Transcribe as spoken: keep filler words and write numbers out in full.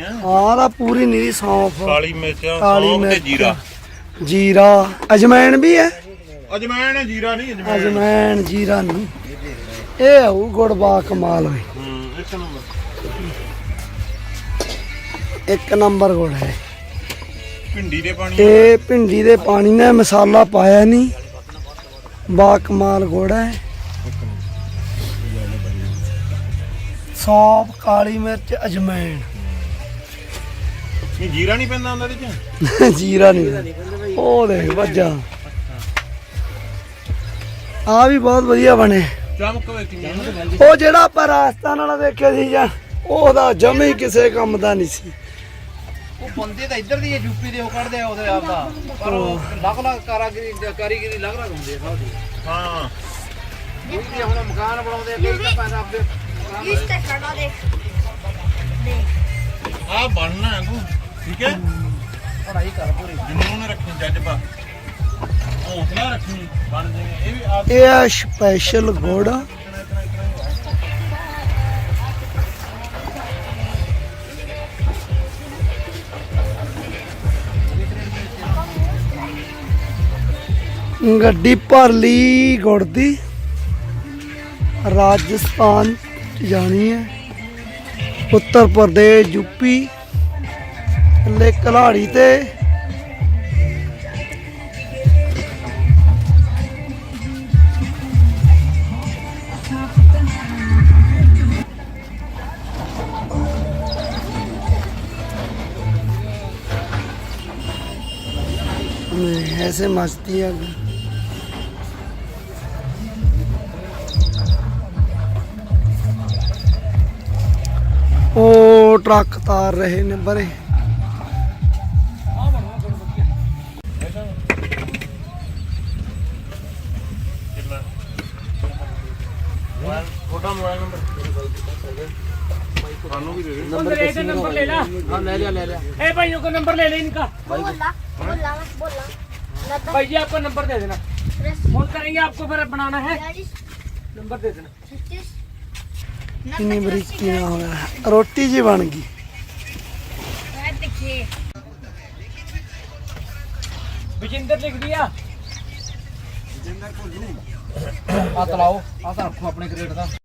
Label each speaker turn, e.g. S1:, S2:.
S1: ਹੈ।
S2: ਹਾਂ ਦਾ ਪੂਰੀ ਨੀਰੀ ਸੌਂਫ,
S1: ਕਾਲੀ ਮਿਰਚ,
S2: ਕਾਲੀ
S1: ਸੌਂਫ ਤੇ
S2: ਮਿਰਚ,
S1: ਜੀਰਾ।
S2: ਜੀਰਾ, ਅਜਮੈਨ ਵੀ ਹੈ।
S1: ਅਜਮੈਨ ਹੈ, ਜੀਰਾ ਨਹੀਂ। ਅਜਮੈਨ
S2: ਅਜਮੈਨ ਜੀਰਾ ਨਹੀਂ, ਇਹ ਆਊ ਗੁੜ ਬਾ ਕਮਾਲ ਹੋਏ।
S1: ਹੂੰ ਇੱਕ ਨੰਬਰ
S2: ਇੱਕ ਨੰਬਰ ਗੁੜ ਹੈ।
S1: ਭਿੰਡੀ ਦੇ ਪਾਣੀ
S2: ਇਹ ਭਿੰਡੀ ਦੇ ਪਾਣੀ ਨੇ ਮਸਾਲਾ ਪਾਇਆ ਨਹੀਂ, ਬਾ ਕਮਾਲ ਗੁੜ ਹੈ। ਸੌਂਫ, ਕਾਲੀ ਮਿਰਚ, ਅਜਮੈਨ।
S1: ਇਹ ਜੀਰਾ ਨਹੀਂ ਪੈਂਦਾ ਹੁੰਦਾ ਇਹਦੇ ਚ?
S2: ਜੀਰਾ ਨਹੀਂ, ਉਹ ਦੇਖ ਵੱਜਾ। ਆ ਵੀ ਬਹੁਤ ਵਧੀਆ ਬਣੇ।
S1: ਚਮਕ ਵੇਖੀ
S2: ਉਹ ਜਿਹੜਾ ਆਪਾਂ ਰਾਜਸਥਾਨ ਵਾਲਾ ਦੇਖਿਆ ਸੀ ਜਾਂ ਉਹਦਾ ਜਮੇ ਹੀ ਕਿਸੇ ਕੰਮ ਦਾ ਨਹੀਂ ਸੀ।
S3: ਉਹ ਬੰਦੇ ਤਾਂ ਇੱਧਰ ਦੀ ਯੂਪੀ ਦੇ ਉਹ ਕੱਢਦੇ ਆ ਉਹਦੇ ਆਪ ਦਾ, ਪਰ ਉਹ ਲੱਖ ਲੱਖ ਕਾਰੀਗਰੀ ਕਾਰੀਗਰੀ ਲੱਗ ਲੱਗ ਹੁੰਦੀ ਹੈ ਸਭ ਦੀ।
S1: ਹਾਂ
S3: ਇਹ ਹੁਣ ਮਕਾਨ ਬਣਾਉਂਦੇ ਆ ਕਈ ਤਾਂ ਪੈਸਾ ਆਪਦੇ
S4: ਇਸ ਤੇ ਖੜਾ ਦੇਖ ਦੇਖ
S1: ਆ ਬਣਨਾ ਹੈ ਤੂੰ, ਠੀਕ ਹੈ।
S3: ਪੜਾਈ ਕਰ ਪੂਰੀ।
S1: ਜਨੂਨ ਰੱਖੀ, ਜਜ਼ਬਾ, ਹੌਸਲਾ ਰੱਖੀ, ਬਣ ਜਾਵੇ। ਇਹ ਵੀ ਆ
S2: ਇਹ ਆ ਸਪੈਸ਼ਲ ਗੁੜ। ਗੱਡੀ ਭਰ ਲਈ ਗੁੜ ਦੀ, ਰਾਜਸਥਾਨ ਜਾਣੀ ਹੈ, ਉੱਤਰ ਪ੍ਰਦੇਸ਼, ਯੂਪੀ, ਥੱਲੇ ਕਲਾੜੀ ਤੇ ऐसे मस्ती है। ਉਹ ਟਰੱਕ ਤਾਰ ਰਹੇ ਨੇ ਬਰੇ।
S1: ਛੋਟਾ ਮੋਬਾਈਲ ਨੰਬਰ ਸਾਨੂੰ ਵੀ ਦੇ ਦੇ।
S5: नंबर ले नंबर ले ला।
S3: ਹਾਂ ਲੈ ਲਿਆ ਲੈ ਲਿਆ।
S5: ए भाइयों का नंबर ले ले इनका।
S4: बोला बोला बोला
S5: भाई जी आपका नंबर दे देना, फोन करेंगे आपको, फिर बनाना है नंबर दे देना।
S2: कितनी बरीकी ना हो गया, रोटी जी बन गई।
S4: देखिए
S5: विजेंद्र लिख दिया।
S3: ਆ ਤਲਾਓ ਆ ਤਾਂ ਰੱਖੋ ਆਪਣੇ ਕ੍ਰੇਟ ਦਾ।